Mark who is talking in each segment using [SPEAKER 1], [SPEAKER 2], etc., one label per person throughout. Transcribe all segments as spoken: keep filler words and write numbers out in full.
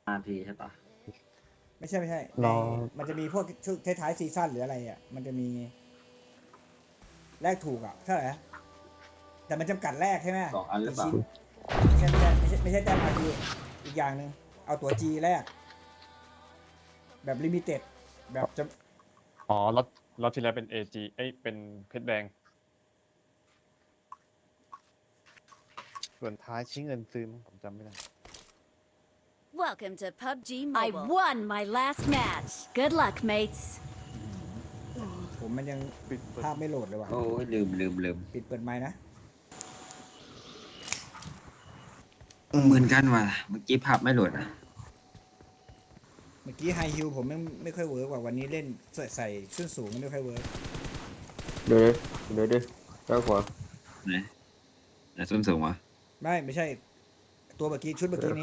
[SPEAKER 1] นาทีใช่ปะ
[SPEAKER 2] ไม่ใช่ไม่ใช่
[SPEAKER 3] รอ
[SPEAKER 2] มันจะมีพวกชุดท้ายๆซีซั่นหรืออะไรอ่ะมันจะมีแลกถูกอ่ะเท่าไหร่นะแต่มันจำกัดแรกใช่ไหม
[SPEAKER 1] สองอันหรือเปล่า
[SPEAKER 2] ไม่ใช่ไม่ใช่ไม่ใช่ไม่ใช่แต้มอาทีอีกอย่างหนึ่งเอาตัวจีแรกแบบลิมิเต็ดแบบจะ
[SPEAKER 3] อ๋อรถรถที่แล้วเป็น เอ จี เอ้ยเป็นเพชรแดงส่วนท้ายชิ้นเงินซื้อมั้งผมจำไม่ได้
[SPEAKER 4] Welcome to พับจี Mobile. I won my last match. Good luck, mates.
[SPEAKER 2] ผมมันยัง
[SPEAKER 3] ปิดเปิด
[SPEAKER 2] ภาพไม่โหลดเลยว่ะ
[SPEAKER 1] โอ้ยลืมลืมลืม
[SPEAKER 2] ปิดเปิดไมค์นะ
[SPEAKER 1] เหมือนกันว่ะเมื่อกี้ภาพไม่โหลดอ่ะ
[SPEAKER 2] เมื่อกี้ไฮฮิลผมไม่ไม่ค่อยเวิร์กว่าวันนี้เล่นใส่ใส่ส้นสูงไม่ค่อยเวิร์ก
[SPEAKER 5] เดี๋ยวเดี๋ยวเดี๋ยวด้านขวา
[SPEAKER 1] ไหนไหนส้นสูงวะ
[SPEAKER 2] ไม่ไม่ใช่ ตัวเมื่อกี้ชุดเมื่อกี้นี้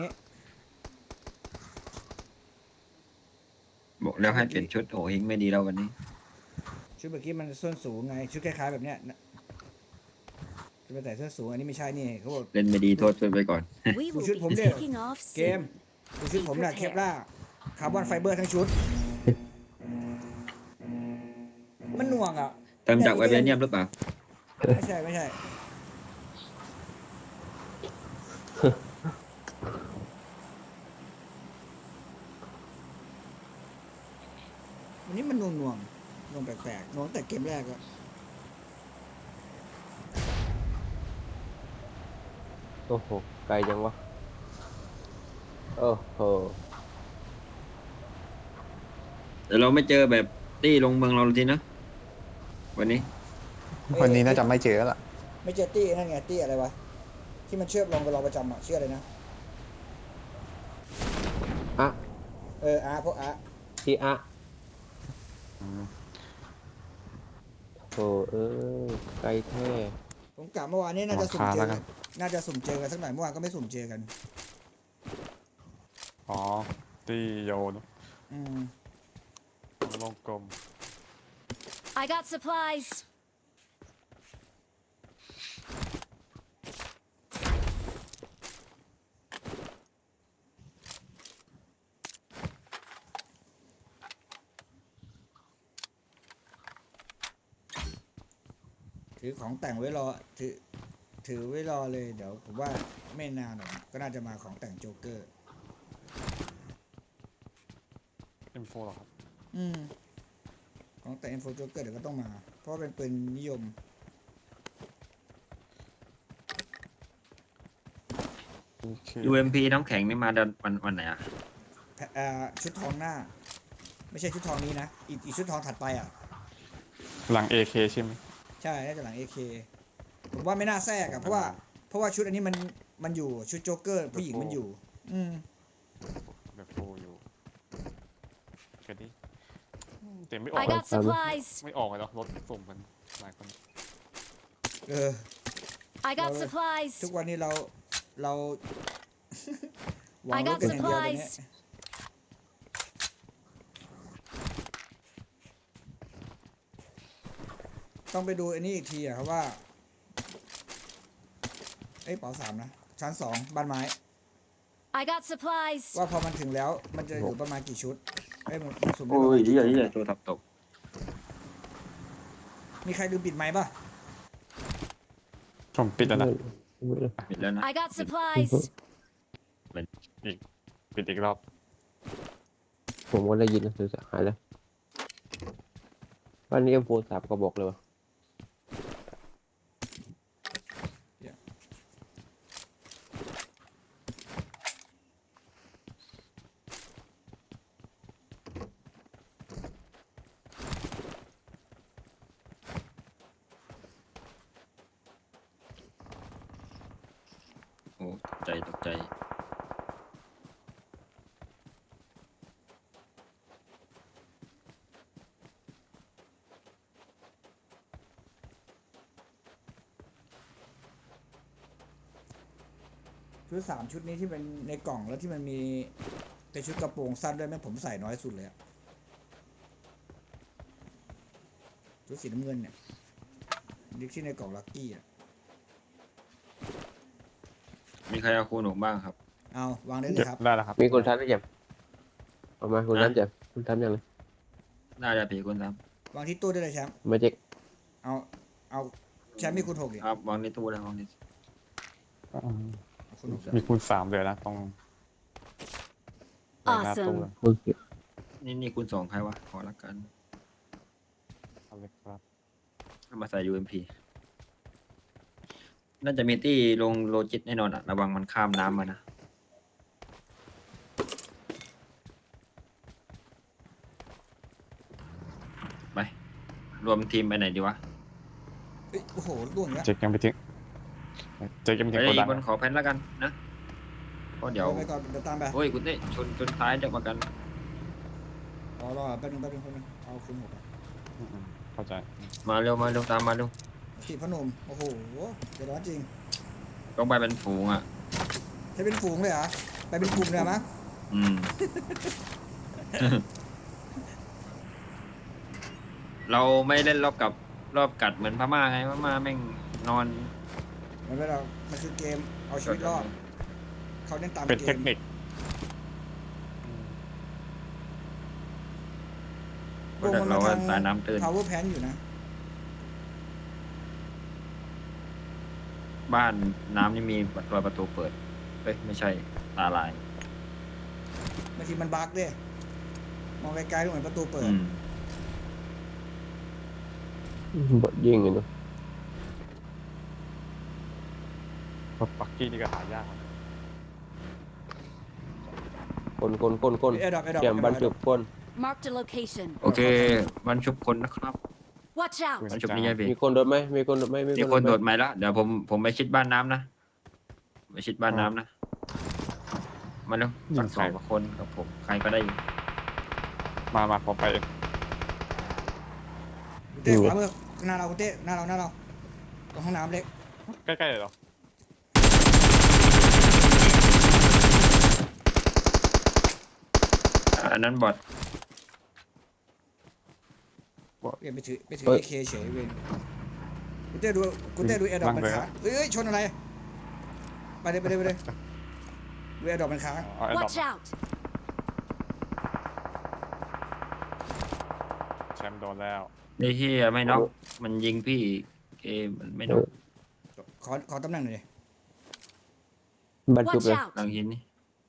[SPEAKER 1] บอกแล้วให้เปลี่ยนชุดโอ้ยไม่ดีแล้ววันนี้
[SPEAKER 2] ชุดเมื่อกี้มันส้นสูงไงชุดคล้ายๆแบบเนี้ยนะจะไปใส่ส้นสูงอันนี้ไม่ใช่นี่เขาบอก
[SPEAKER 1] เล่นไม่ดีโทษเพื่อนไปก่อน
[SPEAKER 4] We will
[SPEAKER 2] should
[SPEAKER 4] be
[SPEAKER 2] ผมเนี่ย
[SPEAKER 4] taking off
[SPEAKER 2] เกม
[SPEAKER 4] soon.
[SPEAKER 2] ดูชุดผมน่ะเคปล่าคาร์บอนไฟเบอร์ทั้งชุด มันหน่วงอ่ะ
[SPEAKER 1] เติมจากไวเบเนียมหรือเปล่า
[SPEAKER 2] ไม่ใช่ไม่ใช่ วันนี้มันหน่วงหน่วงหน่วงแปลกๆหน่วงแต่เกมแรกอะ
[SPEAKER 5] โอ้โหไกลจังวะโอ้โห
[SPEAKER 1] แต่เราไม่เจอแบบตี้ลงเมืองเราทีนะวันนี้
[SPEAKER 3] วันนี้น่าจะไม่เจอแล้วล่ะ
[SPEAKER 2] ไม่เจอตี้นั่นไงตี้อะไรวะ ที่มันเชื่อมลงกับเราประจำอะชื่ออะไรนะ
[SPEAKER 5] อะ
[SPEAKER 2] เอออาร์พวกอาร์
[SPEAKER 5] ที่อะโอ้เออไกลแท้
[SPEAKER 2] ผมกะเมื่อวานนี้น่าจะสุ่มเจ
[SPEAKER 3] รา
[SPEAKER 2] อ
[SPEAKER 3] คาแล้วกั
[SPEAKER 2] กัน
[SPEAKER 3] น
[SPEAKER 2] น่าจะสุ่มเจอกันสักหน่อยเมื่อวานก็ไม่สุ่มเจอกัน
[SPEAKER 3] อ๋อตีโยน
[SPEAKER 2] อืม
[SPEAKER 3] วงกลม
[SPEAKER 4] I got supplies.
[SPEAKER 2] ถือของแต่งไว้รอถือถือไว้รอเลยเดี๋ยวผมว่าไม่นานหรอกก็น่าจะมาของแต่งโจ๊กเกอร์
[SPEAKER 3] เอ็มโฟหรอครับ
[SPEAKER 2] อืมของแต่งเอ็มโฟโจ๊กเกอร์เดี๋ยวก็ต้องมา เพราะว่าเป็นปืนนิยม
[SPEAKER 3] โอเค
[SPEAKER 1] ยู เอ็ม พี น้ำแข็งนี่มาเดือนวันวันไหนอ่ะ
[SPEAKER 2] แพเอ่อชุดทองหน้า ไม่ใช่ชุดทองนี้นะ อีกอีกชุดทองถัดไปอ่ะ
[SPEAKER 3] หลัง เอ เค ใช่ไหม
[SPEAKER 2] ใช่น่าจะหลัง เอ เค ผมว่าไม่น่าแทรกอะเพราะว่าเพราะว่าชุดอันนี้มันมันอยู่ชุดโจ๊กเกอร์ผู้หญิงมันอยู่ อืม
[SPEAKER 3] แบบโฟอยู่แค่นี้เต็มไม่ออก
[SPEAKER 4] I got supplies.
[SPEAKER 3] ไม่ออกเลยเนาะรถส่งมันหลายคน
[SPEAKER 2] เออ
[SPEAKER 4] I got
[SPEAKER 2] Well,
[SPEAKER 4] supplies.
[SPEAKER 2] ทุกวันนี้เราเรา หวัง
[SPEAKER 4] I
[SPEAKER 2] รถ
[SPEAKER 4] got
[SPEAKER 2] กันอย่างเดียวตอนนี้
[SPEAKER 4] supplies.
[SPEAKER 2] ต้องไปดูอันนี้อีกทีอะครับว่า เอ้ยเป๋าสามนะ ชั้นสองบ้านไม้
[SPEAKER 4] I got supplies.
[SPEAKER 2] ว่าพอมันถึงแล้วมันจะอยู่ประมาณกี่ชุดเอ้ยมันมันสุ่มได้
[SPEAKER 1] โอ้
[SPEAKER 2] ประ
[SPEAKER 1] ย
[SPEAKER 2] มาณ
[SPEAKER 1] เหี้
[SPEAKER 2] กี่
[SPEAKER 1] ย
[SPEAKER 2] ชุด
[SPEAKER 1] เหี้ยตัวทับตก
[SPEAKER 2] มีใครลืมปิดไมค์ป่ะ
[SPEAKER 3] ผมปิดแล้วนะ
[SPEAKER 1] ปิดแล้วนะ
[SPEAKER 4] I got supplies.
[SPEAKER 3] อีกปิดอีกรอบ
[SPEAKER 5] ผมก็ได้ยินนะสื่อสารหายแล้วบ้านนี้เอ็มโฟสามก็บอกเลยวะ
[SPEAKER 1] โอ้ตกใจตกใจ
[SPEAKER 2] ชุดสามชุดนี้ที่เป็นในกล่องแล้วที่มันมีเป็นชุดกระโปรงสั้นด้วยแม่งผมใส่น้อยสุดเลยอะชุดสีน้ำเงินเนี่ยดิที่ในกล่องลัคกี้อะ
[SPEAKER 1] มีใครเอาคูณหกบ้างครับ
[SPEAKER 2] เอาวางได้เล
[SPEAKER 3] เก็
[SPEAKER 2] ย
[SPEAKER 3] บ
[SPEAKER 2] ครับ
[SPEAKER 3] ได้แล้วครับ
[SPEAKER 5] มีคนทักหรือยังเอามาคุณน้ำเจ็บคุณทำยังไง
[SPEAKER 1] น่าจะผีคุณซ้
[SPEAKER 2] วางที่ตู้ได้เลยแชมป์
[SPEAKER 5] มาเจ็ก
[SPEAKER 2] เอาเอาแชมป์มีคูณหกดิ
[SPEAKER 1] ำครับวางในตู้เลยวางใน
[SPEAKER 3] อืม
[SPEAKER 2] เอาคูณหก
[SPEAKER 3] มีคูณสามเลยนะตรงหน้าตู้เลย
[SPEAKER 5] คุณเก็บ
[SPEAKER 1] นี่นี่คุณสองใครวะขอละกัน
[SPEAKER 3] เอาเลยครับ
[SPEAKER 1] เอามาใส่ ยู เอ็ม พี น่าจะมีตี้ลงโลจิตแน่นอนอะระวังมันข้ามน้ำมานะไปรวมทีมไปไหนดีวะ
[SPEAKER 2] เอ้ยโอ้โหล่วงแล้ว
[SPEAKER 3] เจ๊กยังไปถึงเจ๊กยังไปถึง
[SPEAKER 1] เฮ้
[SPEAKER 3] โก
[SPEAKER 1] ย
[SPEAKER 3] ดัง
[SPEAKER 1] บนขอแพนแล้วกันนะเพราะเดี๋ยว
[SPEAKER 2] ไปก่อนเดี๋ยวตามไป
[SPEAKER 1] โอ้ยคุณเต้ชนจนท้ายจะมากัน
[SPEAKER 2] รอรอแป๊บนึงแป๊บนึงแป๊บนึงเอาคูณหกอะ
[SPEAKER 3] อืมเข้าใจ
[SPEAKER 1] มาเร็วมาเร็วตามมาเร็ว
[SPEAKER 2] สีพนมโอ้โหเดี๋ยวร้อนจริง
[SPEAKER 1] ต้องไปเป็นฝูงอ่ะ
[SPEAKER 2] จะเป็นฝูงเลยเหรอไปเป็นกลุ่มเลยเหรอมั้ง
[SPEAKER 1] อืม เราไม่เล่นรอบกับรอบกัดเหมือนพม่าไงพม่าแม่งนอน
[SPEAKER 2] มันเป็นเรามันคือเกมเอาชีวิตรอดเขาเล่นตาม
[SPEAKER 3] เป็น
[SPEAKER 2] เก
[SPEAKER 3] เท
[SPEAKER 2] ม
[SPEAKER 3] คนิค
[SPEAKER 2] วงมัน
[SPEAKER 1] เรา
[SPEAKER 2] มา
[SPEAKER 1] ว่า
[SPEAKER 2] ทาง
[SPEAKER 1] สายน้ำตื้น
[SPEAKER 2] power pan อยู่นะ
[SPEAKER 1] บ้านน้ำนี่มีรอยประตูเปิดเอ้ยไม่ใช่ตาลาย
[SPEAKER 2] บางทีมันบั๊กด้วยมองไกลๆดูเหมือนประตูเปิด
[SPEAKER 1] อืม
[SPEAKER 5] บดยิงเลยเนาะ
[SPEAKER 3] รถปักกี้นี่ก็หายากนะ
[SPEAKER 5] คนคนคนคน
[SPEAKER 2] เอดอกเอดอก
[SPEAKER 5] แกมบันจุบคน
[SPEAKER 4] Marked a location.
[SPEAKER 1] โอเควันชุบคนนะครับ
[SPEAKER 4] Watch out!
[SPEAKER 1] วันชุบนี่ยายเบ
[SPEAKER 5] มีคนโดนไหมมีคนโดนไหม
[SPEAKER 1] มีคนโดดไหมแล้วเดี๋ยวผมผมไปชิดบ้านน้ำนะไปชิดบ้านน้ำนะมาเร็วสักสองคนกับผมใครก็ได้อยู่
[SPEAKER 3] มามาพอไปเอง
[SPEAKER 2] คุณเต้ขวามือหน้าเราคุณเต้หน้าเราหน้าเราตรงห้องน้ำเล็ก
[SPEAKER 3] ใกล้ๆเลยเหรอ
[SPEAKER 1] อันนั้นบอท
[SPEAKER 2] เปลี่ยนไปถือไปถือเอเคเฉยเวนคุณเต้ดูคุณเต้ดูเอดอกมันค้างเอ้ยเอ้ยชนอะไรไปเลยไปเลยไปเลยดูเอดอกมันค้าง
[SPEAKER 3] เอาไอ้ดอก
[SPEAKER 4] Watch out!
[SPEAKER 3] แชมป์โดนแล้ว
[SPEAKER 1] ไอ้เฮียไม่น็อกมันยิงพี่เกมมันไม่น็อก
[SPEAKER 2] ขอขอตำแหน่งหน่อยดิ
[SPEAKER 5] บันจุบ
[SPEAKER 4] Watch
[SPEAKER 5] เลย
[SPEAKER 4] out!
[SPEAKER 1] หลังหินนี่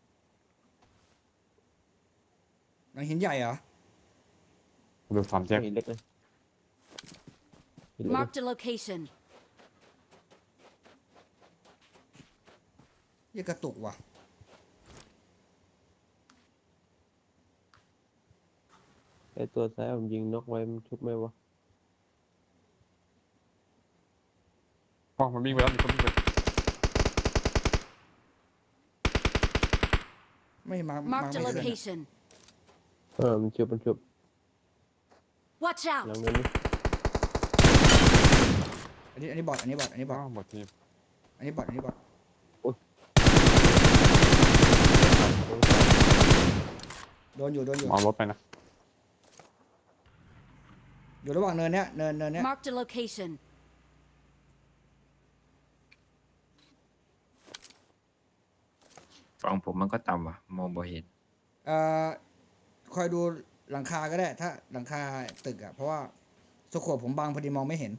[SPEAKER 2] หลังหินใหญ่เหรอ
[SPEAKER 3] ดูสามแจ็ค
[SPEAKER 5] หินเล็กเลยหินเล็กเลย
[SPEAKER 4] Marked a location.
[SPEAKER 2] ยี่กระตุกว่ะ
[SPEAKER 5] ไอตัวซ้ายผมยิงนกไว้มันชุบไหมวะ
[SPEAKER 3] อ๋อมันวิ่งไปแล้วมีคนวิ่งไป
[SPEAKER 2] ไม่มามา
[SPEAKER 4] Marked
[SPEAKER 2] ไม่
[SPEAKER 4] a
[SPEAKER 2] ขึ้นอะ
[SPEAKER 4] location.
[SPEAKER 5] เออมันชุบมันชุบ
[SPEAKER 4] Watch
[SPEAKER 5] หลัง
[SPEAKER 4] out!
[SPEAKER 5] นั้นนี่
[SPEAKER 2] อันนี้อันนี้บอดอันนี้บอดอันนี้บ
[SPEAKER 3] อ๋
[SPEAKER 2] อ
[SPEAKER 3] อ
[SPEAKER 2] ด
[SPEAKER 3] หมดทีม
[SPEAKER 2] อันนี้บอดอันนี้บอด
[SPEAKER 5] อุ๊ย
[SPEAKER 2] โดนอยู่โดนอยู่
[SPEAKER 3] เอารถไปนะ
[SPEAKER 2] อยู่ระหว่างเนินเนี้ยเนินเนินเนี้ย
[SPEAKER 4] Marked a location.
[SPEAKER 1] ฝั่งผมมันก็ต่ำว่ะมองบ่เห็น
[SPEAKER 2] เอ่อคอยดูหลังคาก็ได้ ถ้าหลังคาตึกอะเพราะว่าสโคปผมบังพอดีมองไม่เห็น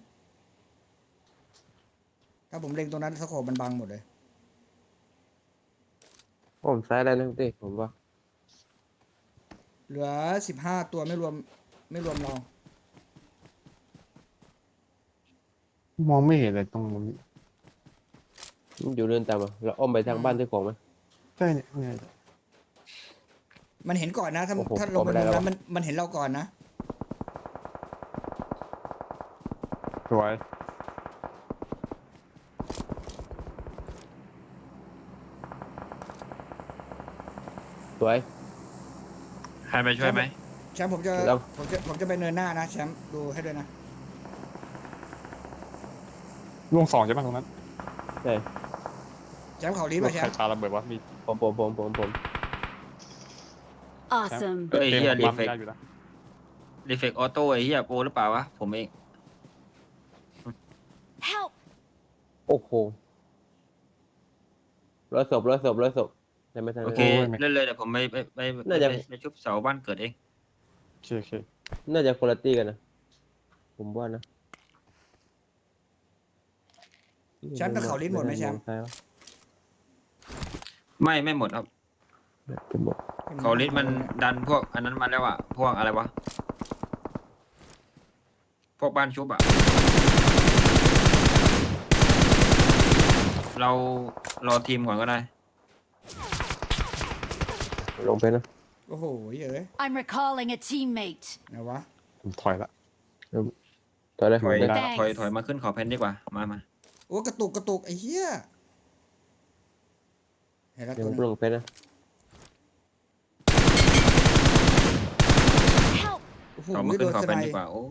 [SPEAKER 2] ถ้าผมเล็งตรงนั้นสโคปมันบังหมดเลย
[SPEAKER 5] ผมซ้ายได้นะเต้ผมว่า
[SPEAKER 2] เหลือสิบห้าตัวไม่รวมไม่รวมเรา
[SPEAKER 3] มองไม่เห็นเลยตรงนี้
[SPEAKER 5] มันอยู่เดินตามอ่ะเราอ้อมไปทางบ้านที่ของไหม
[SPEAKER 3] ใช่เนี่ยเนี่ย
[SPEAKER 2] มันเห็นก่อนนะ ถ้า
[SPEAKER 5] โอ้โห
[SPEAKER 2] ถ้าลงไป
[SPEAKER 5] เข้าไม่ได้
[SPEAKER 2] มุม
[SPEAKER 5] แล้ว
[SPEAKER 2] นั้นมันมันเห็นเราก่อนนะ
[SPEAKER 3] สวย
[SPEAKER 5] สวย
[SPEAKER 1] ใครไปช่วยไหม
[SPEAKER 2] แชมป์ผมจะ
[SPEAKER 5] แล้ว
[SPEAKER 2] ผมจะผมจะไปเนินหน้านะแชมป์ดูให้ด้วยนะ
[SPEAKER 3] ล่วงสองใช่ไหมตรงนั้น
[SPEAKER 5] ใช่
[SPEAKER 2] แชมป์เขาลี
[SPEAKER 3] ร
[SPEAKER 2] ป่ะ
[SPEAKER 3] ถ
[SPEAKER 2] แช
[SPEAKER 3] ไข่
[SPEAKER 2] มป์
[SPEAKER 3] ปลาระเบิดวะมี
[SPEAKER 5] ผมผมผมผมผม
[SPEAKER 4] Awesome.
[SPEAKER 1] เฮ้ย
[SPEAKER 3] เกม
[SPEAKER 1] เฮีย
[SPEAKER 3] ของ
[SPEAKER 1] รี
[SPEAKER 3] ปั๊ม
[SPEAKER 1] เฟก
[SPEAKER 3] ได้อยู่นะ
[SPEAKER 1] รีเฟกออโต้ไอ้เฮียโปรหรือเปล่าวะผมเอง
[SPEAKER 4] Help!
[SPEAKER 5] โอ้โหร้อยศพร้อยศพร้อยศพในช่ไหมทาง
[SPEAKER 1] โอ
[SPEAKER 5] นั้น
[SPEAKER 1] เคเล่นเลยเดี๋ยวผมไปไปไปไป
[SPEAKER 5] น่าจะ
[SPEAKER 1] ไปไปชุบเสาบ้านเกิดเอง
[SPEAKER 3] โอเคโอเค
[SPEAKER 5] น่าจะคุณภาพกันนะผมว่านะ
[SPEAKER 2] แชมป์แต่เขาลิ้นหมดไหมแชมป์
[SPEAKER 5] ใช่ปะ
[SPEAKER 1] ไม่ไม่หมดครับ
[SPEAKER 5] ผมบอก
[SPEAKER 1] เขาลิสมันดันพวกอันนั้นมาแล้วอ่ะพวกอะไรวะพวกบ้านชุบอ่ะเรารอทีมก่อนก็ได้
[SPEAKER 5] ลงไปนะ
[SPEAKER 2] โอ้โหเยอะ
[SPEAKER 4] I'm recalling a teammate.
[SPEAKER 2] ไงวะ
[SPEAKER 3] ผมถอยละ
[SPEAKER 5] ตอนแรก
[SPEAKER 1] ถ
[SPEAKER 5] ผม
[SPEAKER 1] อย
[SPEAKER 5] ได้
[SPEAKER 1] ถอยถอยมาขึ้นขอเพนดีกว่ามามา
[SPEAKER 2] โอ้กระตุกกระตุกไอ้เหี้ยเห็นแล้ว
[SPEAKER 5] เดี๋ยว
[SPEAKER 2] ตั
[SPEAKER 5] ผ
[SPEAKER 2] ว
[SPEAKER 5] ม
[SPEAKER 2] นึง
[SPEAKER 5] ลงไปนะ
[SPEAKER 4] Help!
[SPEAKER 2] โอ้โห
[SPEAKER 1] ขอมา
[SPEAKER 2] โด
[SPEAKER 1] ขึ้น
[SPEAKER 2] น
[SPEAKER 1] ขอ
[SPEAKER 2] ส
[SPEAKER 1] เพ
[SPEAKER 2] ไน
[SPEAKER 1] นดี
[SPEAKER 2] ด์
[SPEAKER 1] กว่าโอ้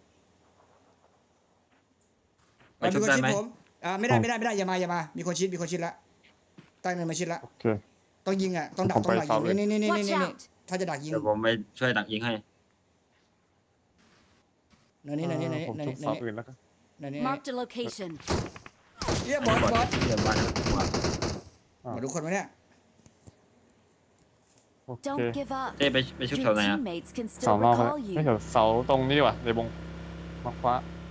[SPEAKER 1] ไป
[SPEAKER 2] อ่ะ
[SPEAKER 1] ชุ
[SPEAKER 2] มี
[SPEAKER 1] บ
[SPEAKER 2] คน
[SPEAKER 1] ได้
[SPEAKER 2] ชิด
[SPEAKER 1] ไหม
[SPEAKER 2] ผมอ่าไม่ได้ไม่ได้ไม่ได้อย่ามาอย่ามามีคนชิดมีคนชิดละตั้งเนินมาชิดละ
[SPEAKER 3] โอเค
[SPEAKER 2] ต้องยิงอ่ะต้องดัก
[SPEAKER 3] ผม
[SPEAKER 2] ต้อง
[SPEAKER 3] ไป
[SPEAKER 2] ดัก
[SPEAKER 3] เฝ้า
[SPEAKER 2] ยิง
[SPEAKER 3] เลย
[SPEAKER 2] นี่นี่นี่นี่
[SPEAKER 4] Watch
[SPEAKER 2] นี่
[SPEAKER 4] out!
[SPEAKER 2] ถ้าจะดักยิง
[SPEAKER 1] เดี๋ยวผมไปช่วยดักยิงให้
[SPEAKER 2] เนินนี่เนินนี่เนิน
[SPEAKER 3] ผม
[SPEAKER 2] นี่
[SPEAKER 3] ทุบ
[SPEAKER 2] เนิ
[SPEAKER 3] เสาน อื่นแล้วกัน
[SPEAKER 2] นี่เนินนี่
[SPEAKER 4] Marked a location.
[SPEAKER 2] เหี้ยบอสบอส
[SPEAKER 1] เดี๋ยวมาว่า
[SPEAKER 2] มาดูคนไหมเนี่ย
[SPEAKER 3] โอเค
[SPEAKER 4] Don't give up.
[SPEAKER 1] เต้ไปไปชุบ
[SPEAKER 4] Your
[SPEAKER 1] เสาไหนอ่ะ
[SPEAKER 4] teammates can
[SPEAKER 3] เสา
[SPEAKER 4] still
[SPEAKER 3] นอกแล้ว
[SPEAKER 4] recall
[SPEAKER 3] ไม่
[SPEAKER 4] you.
[SPEAKER 3] เดี๋ยวเสาตรงนี้ดีกว่าในวงมาฟ้า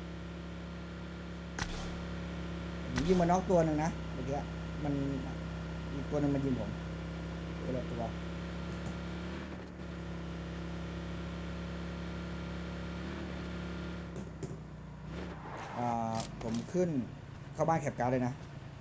[SPEAKER 2] ผมยิงมาน็อกตัวหนึ่งนะเมื่อกี้มันอีกตัวหนึ่งมันยิงผมตัวละตัวอ่าผมขึ้นเข้าบ้านแคปการ์ดเลยนะ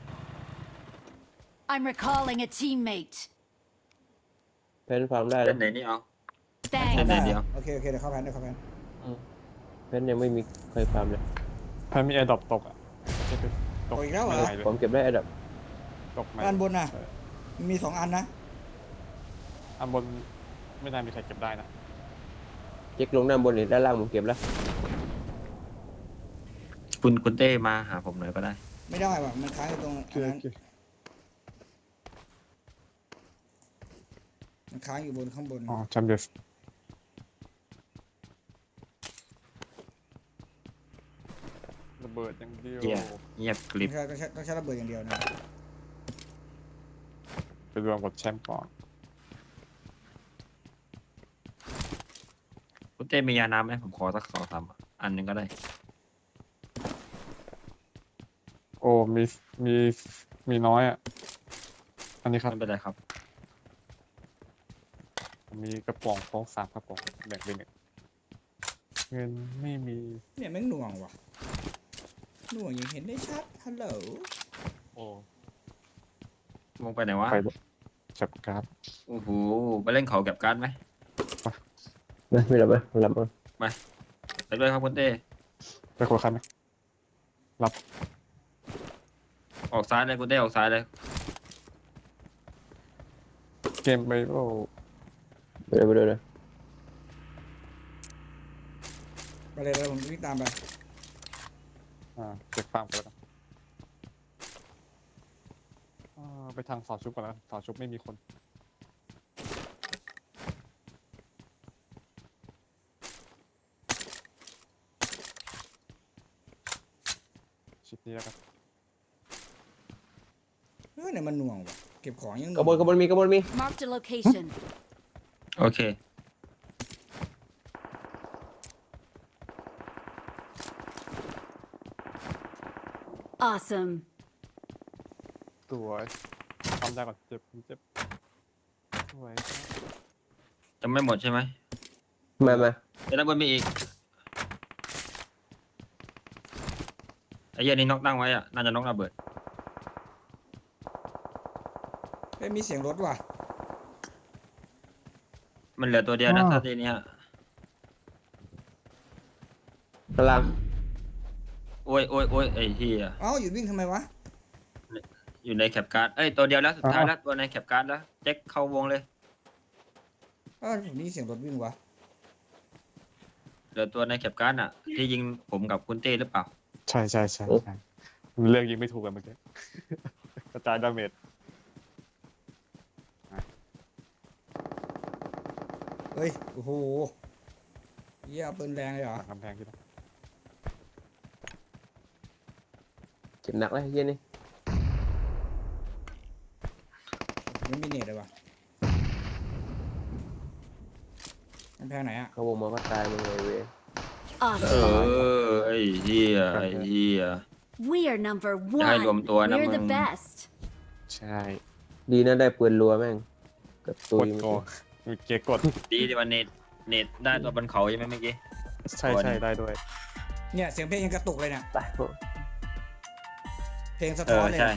[SPEAKER 4] I'm recalling a teammate.
[SPEAKER 5] เพนฟาร์มได้
[SPEAKER 1] เล่
[SPEAKER 5] นะ
[SPEAKER 1] นไหนนี่เอา
[SPEAKER 4] Thanks.
[SPEAKER 1] เล่นไหนเดียว
[SPEAKER 2] โอเคโอเคเดี๋ยวเข้าแพนเดี๋ยวเข้าแพน
[SPEAKER 5] เพนยังไม่มีใครฟาร์มเลย
[SPEAKER 3] แพ้มีแอร์ดรอปตกอ่ะจะไปตก
[SPEAKER 2] โอ้ยอีกแล้วเหรอ
[SPEAKER 3] ไม่ไหเลย
[SPEAKER 5] ผมเก็บได้อันดับ
[SPEAKER 3] ตกไหม
[SPEAKER 2] ด้านบนน่ะ
[SPEAKER 3] ใช่
[SPEAKER 2] มีสองอันนะ
[SPEAKER 3] อันบนไม่น่ามีใครเก็บได้นะ
[SPEAKER 5] เช็คลงด้านบนนี่ด้านล่างผมเก็บแล้ว
[SPEAKER 1] คุณคุณเต้มาหาผมหน่อยก็ได้
[SPEAKER 2] ไม่ได้ว่ะมันค้างอยู่ตรง
[SPEAKER 3] โอเค
[SPEAKER 2] อัน
[SPEAKER 3] โอ
[SPEAKER 2] นั้น
[SPEAKER 3] เค
[SPEAKER 2] มันค้างอยู่บนข้างบน
[SPEAKER 3] อ๋อแชมเบียร์ระเบิดอย่างเดียว
[SPEAKER 1] เหี้ย เงียบกริบ
[SPEAKER 2] ต้องใช้ต้องใช้ต้องใช้ระเบิดอย่างเดียวนะ
[SPEAKER 3] ไปรวมกับแชมป์ก่อน
[SPEAKER 1] คุณเต้มียาน้ำไหมผมขอสักสองสามอันหนึงก็ได้
[SPEAKER 3] โอ้มีมีมีน้อยอ่ะอันนี้ครับ
[SPEAKER 1] ไม่เป็นไรครับ
[SPEAKER 3] ผมมีกระป๋องโค้กสามกระป๋องแบ่งเป็นหนึ่งเงินไม่มี
[SPEAKER 2] เนี่ยแม่งหน่วงว่ะหน่วงยังเห็นได้ชัดฮัลโหล
[SPEAKER 3] โอ้
[SPEAKER 1] วงไปไหนวะ
[SPEAKER 3] ไปจับการ์ด
[SPEAKER 1] โอ้โหไปเล่นเขาแก็บการ์ดไหม
[SPEAKER 5] ไม่ไม่หลับไหมหลับมั้ง
[SPEAKER 1] ไปด้วยครับคุณเต้
[SPEAKER 3] ไปคุยกันไหม
[SPEAKER 1] ออกซ้ายเลยคุณเต้ออกซ้ายเลย
[SPEAKER 3] เกมไปโอ้
[SPEAKER 5] ไปเลยไปเลยเลย
[SPEAKER 2] ไปเลยเลยผมวิ่งตามไป
[SPEAKER 3] อ่าเก็บฟาร์มกันแล้วกันอ่าไปทางเสาชุบก่อนแล้วกันเสาชุบไม่มีคนชิดนี้แล้วกัน
[SPEAKER 2] เฮ้ยเนี่ยมันหน่วงว่ะเก็บของยังห
[SPEAKER 5] กระ
[SPEAKER 2] น่วง
[SPEAKER 5] บวนกระบวนมีกระบวนมี
[SPEAKER 4] Marked a location.
[SPEAKER 1] โอเค
[SPEAKER 4] Awesome.
[SPEAKER 3] สวยทำได้ก่อนเจ็บเจ็บสวย
[SPEAKER 1] จะไม่หมดใช่ไหม
[SPEAKER 5] มามา
[SPEAKER 1] เดี๋ยวด้านบนมีอีกไอ้เหี้ยนี่น็อกตั้งไว้อะน่าจะน็อกระเบิด
[SPEAKER 2] เฮ้ยมีเสียงรถว่ะ
[SPEAKER 1] มันเหลือตัวเดียวนะถ้าทีเนี้ย
[SPEAKER 5] พลัง
[SPEAKER 1] โอ้ยโอ้ยโอ้ยไอ้ที่
[SPEAKER 2] เอ้าหยุดวิ่งทำไมวะ
[SPEAKER 1] อยู่ในแคปการ์ดเอ้ยตัวเดียวแล้วสุดท้ายแล้วตัวในแคปการ์ดแล้วเจ๊กเข้าวงเลย
[SPEAKER 2] เอ้าผมนี่เสียงรถวิ่งวะ
[SPEAKER 1] เหลือตัวในแคปการ์ดอ่ะ ที่ยิงผมกับคุณเต้หรือเปล่า
[SPEAKER 3] ใช่ใช่ใช่ใช่เลือกยิงไม่ถูกกันเมื่อกี้กระจายดาเมจ
[SPEAKER 2] เฮ้ยโอ้โหเหี้ยเอาปืนแรงเลยเหรอ
[SPEAKER 3] หลังกำแพงที่นั่น
[SPEAKER 5] เจ็บหนักเลยเย็นนี่
[SPEAKER 2] ไม่มีเน็ตเลยว่ะกำแพงไหนอ่ะ
[SPEAKER 5] เขาวงมาก็ตายมึงเลยเว้ย
[SPEAKER 1] เอ
[SPEAKER 4] Awesome.
[SPEAKER 1] อไอ้เหี้ยไอ้เหี้ย
[SPEAKER 4] We are number
[SPEAKER 1] อย่าให้รวม
[SPEAKER 4] one.
[SPEAKER 1] ตัวนะ
[SPEAKER 4] We're
[SPEAKER 1] มึ
[SPEAKER 4] the
[SPEAKER 1] ง
[SPEAKER 4] best.
[SPEAKER 3] ใช่
[SPEAKER 5] ดีนะได้ปืนรัวแม่งเกับตุ
[SPEAKER 3] ก
[SPEAKER 5] ย
[SPEAKER 3] ด
[SPEAKER 5] เมื่อ
[SPEAKER 3] โก
[SPEAKER 5] กี้
[SPEAKER 3] เมื่อกี้กด
[SPEAKER 1] ดีที่วันเน็ตเน็ตได้ตัวบนเขาใช่ไหมเมื่อกี้
[SPEAKER 3] ใช่ใช่ได้ด้วย
[SPEAKER 2] เนี่ยเสียงเพลงยังกระตุกเลยเนี่ย
[SPEAKER 5] ตายพวก
[SPEAKER 2] เพลงสะ
[SPEAKER 1] เอ
[SPEAKER 2] ท้อ
[SPEAKER 1] อน
[SPEAKER 2] เลย
[SPEAKER 1] ใช่
[SPEAKER 2] เนี่ย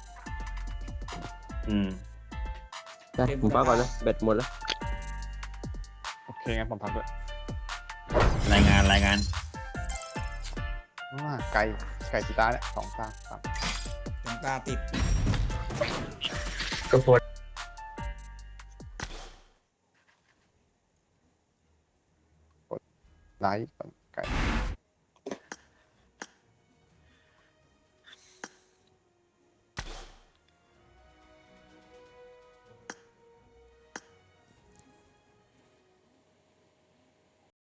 [SPEAKER 1] อืม
[SPEAKER 5] ได้ผมพักก่อนนะแบตหมดแล้ว
[SPEAKER 3] โอเคงั้นผมพักด้วย
[SPEAKER 1] รายงานรายงาน
[SPEAKER 3] อ่าไก่ไก่สีตาเนี่ยสองตาสาม
[SPEAKER 2] ดวงตาติด
[SPEAKER 1] ก็ปวด
[SPEAKER 3] ไลท์ก่อน